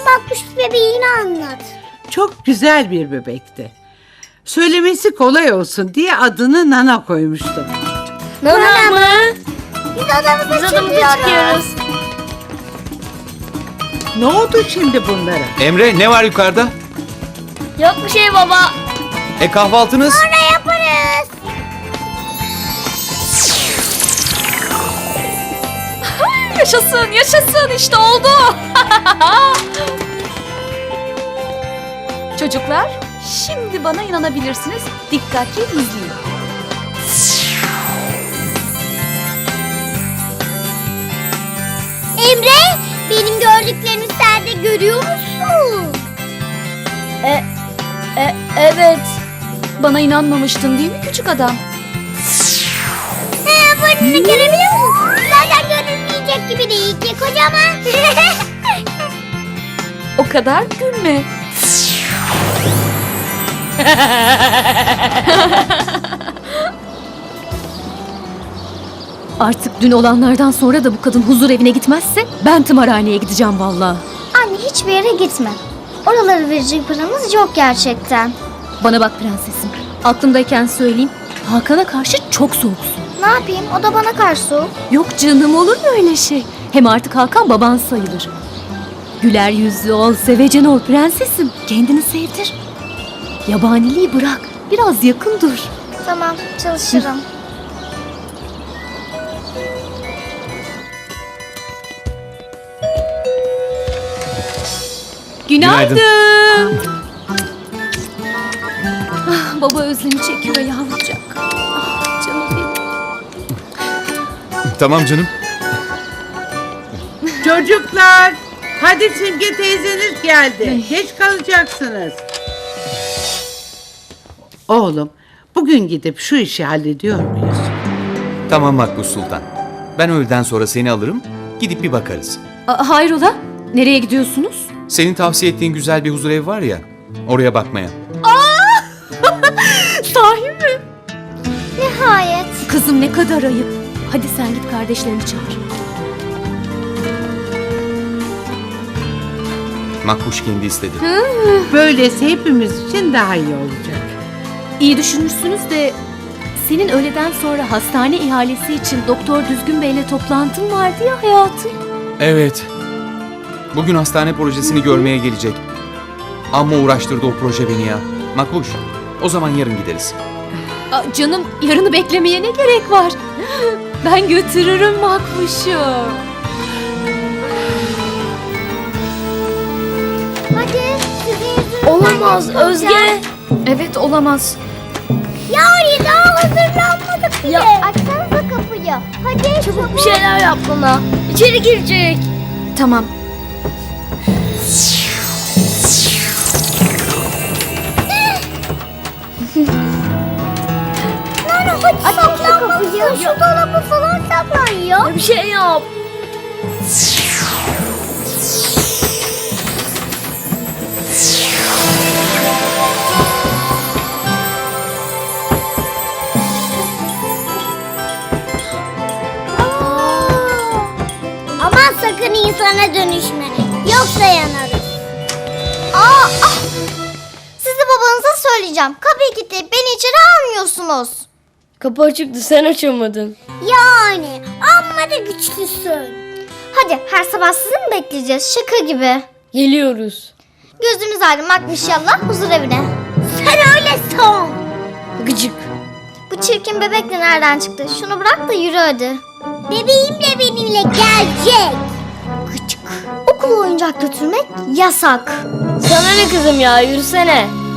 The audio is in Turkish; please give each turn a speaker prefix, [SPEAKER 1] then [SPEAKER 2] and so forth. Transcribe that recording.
[SPEAKER 1] Makbuş bebeğini anlat.
[SPEAKER 2] Çok güzel bir bebekti. Söylemesi kolay olsun diye adını Nana koymuştum.
[SPEAKER 1] Nana mı? Biz odamıza çıkıyoruz.
[SPEAKER 2] Ne oldu şimdi bunlara?
[SPEAKER 3] Emre, ne var yukarıda?
[SPEAKER 1] Yok bir şey baba.
[SPEAKER 3] Kahvaltınız?
[SPEAKER 1] Sonra yaparız.
[SPEAKER 4] Yaşasın, yaşasın, işte oldu. Çocuklar, şimdi bana inanabilirsiniz. Dikkatli izleyin.
[SPEAKER 1] Emre, benim gördüklerimi sen de görüyor musun?
[SPEAKER 4] Evet. Bana inanmamıştın değil mi küçük adam?
[SPEAKER 1] Burnunu görebiliyor musun? Zaten görünmeyecek gibi değil ki kocaman.
[SPEAKER 4] O kadar gülme.
[SPEAKER 5] Artık dün olanlardan sonra da bu kadın huzur evine gitmezse ben tımarhaneye gideceğim vallahi.
[SPEAKER 1] Anne hiçbir yere gitme. Oraları verecek paramız yok gerçekten.
[SPEAKER 5] Bana bak prensesim. Aklımdayken söyleyeyim. Hakan'a karşı çok soğuksun.
[SPEAKER 1] Ne yapayım? O da bana karşı soğuk.
[SPEAKER 5] Yok canım, olur mu öyle şey? Hem artık Hakan baban sayılır. Güler yüzlü ol, sevecen ol prensesim. Kendini sevdir. Yabaniliği bırak. Biraz yakın dur.
[SPEAKER 1] Tamam, çalışırım.
[SPEAKER 5] Günaydın.
[SPEAKER 3] Günaydın.
[SPEAKER 5] Ah, baba özlemi çekiyor yavrucak. Ah, canım benim.
[SPEAKER 3] Tamam canım.
[SPEAKER 2] Çocuklar, hadi Simge teyzeniz geldi. Geç kalacaksınız. Oğlum, bugün gidip şu işi hallediyor muyuz?
[SPEAKER 3] Tamam Makbuş Sultan. Ben öğleden sonra seni alırım, gidip bir bakarız.
[SPEAKER 5] Hayrola? Nereye gidiyorsunuz?
[SPEAKER 3] Senin tavsiye ettiğin güzel bir huzurevi var ya, oraya bakmaya.
[SPEAKER 5] Sahi mi?
[SPEAKER 1] Nihayet.
[SPEAKER 5] Kızım ne kadar ayıp. Hadi sen git kardeşlerini çağır.
[SPEAKER 3] Makbuş kendi istedi.
[SPEAKER 2] Böylesi hepimiz için daha iyi olacak.
[SPEAKER 5] İyi düşünmüşsünüz de senin öğleden sonra hastane ihalesi için Doktor Düzgün Bey'le toplantın vardı ya hayatım.
[SPEAKER 3] Evet. Bugün hastane projesini görmeye gelecek. Amma uğraştırdı o proje beni ya. Makbuş, o zaman yarın gideriz.
[SPEAKER 5] Canım, yarını beklemeye ne gerek var? Ben götürürüm Makbuş'u.
[SPEAKER 1] Hadi sizin yüzünüzden
[SPEAKER 4] Olamaz
[SPEAKER 1] geç kalacağız.
[SPEAKER 4] Özge. Evet, olamaz.
[SPEAKER 1] Ya daha hazırlanmadık bile. Açsanıza kapıyı. Hadi çabuk
[SPEAKER 4] Bir şeyler yap bana. İçeri girecek. Tamam.
[SPEAKER 1] Hadi saklanmalısın. Şu dolabı falan saklan ya.
[SPEAKER 4] Bir şey yap.
[SPEAKER 1] Aman sakın insana dönüşme. Yoksa yanarız. Sizi babanıza söyleyeceğim. Kapıyı kilitleyip beni içeri almıyorsunuz.
[SPEAKER 4] Kapı açıktı, sen açamadın.
[SPEAKER 1] Yani amma da güçlüsün. Hadi her sabah sizi mi bekleyeceğiz? Şaka gibi.
[SPEAKER 4] Geliyoruz.
[SPEAKER 1] Gözünüz aydınlatmış inşallah huzur evine. Sen öyle son.
[SPEAKER 4] Gıcık.
[SPEAKER 1] Bu çirkin bebek de nereden çıktı? Şunu bırak da yürü hadi. Bebeğim de benimle gelecek. Gıcık. Okula oyuncak götürmek yasak.
[SPEAKER 4] Sana ne kızım ya, yürüsene.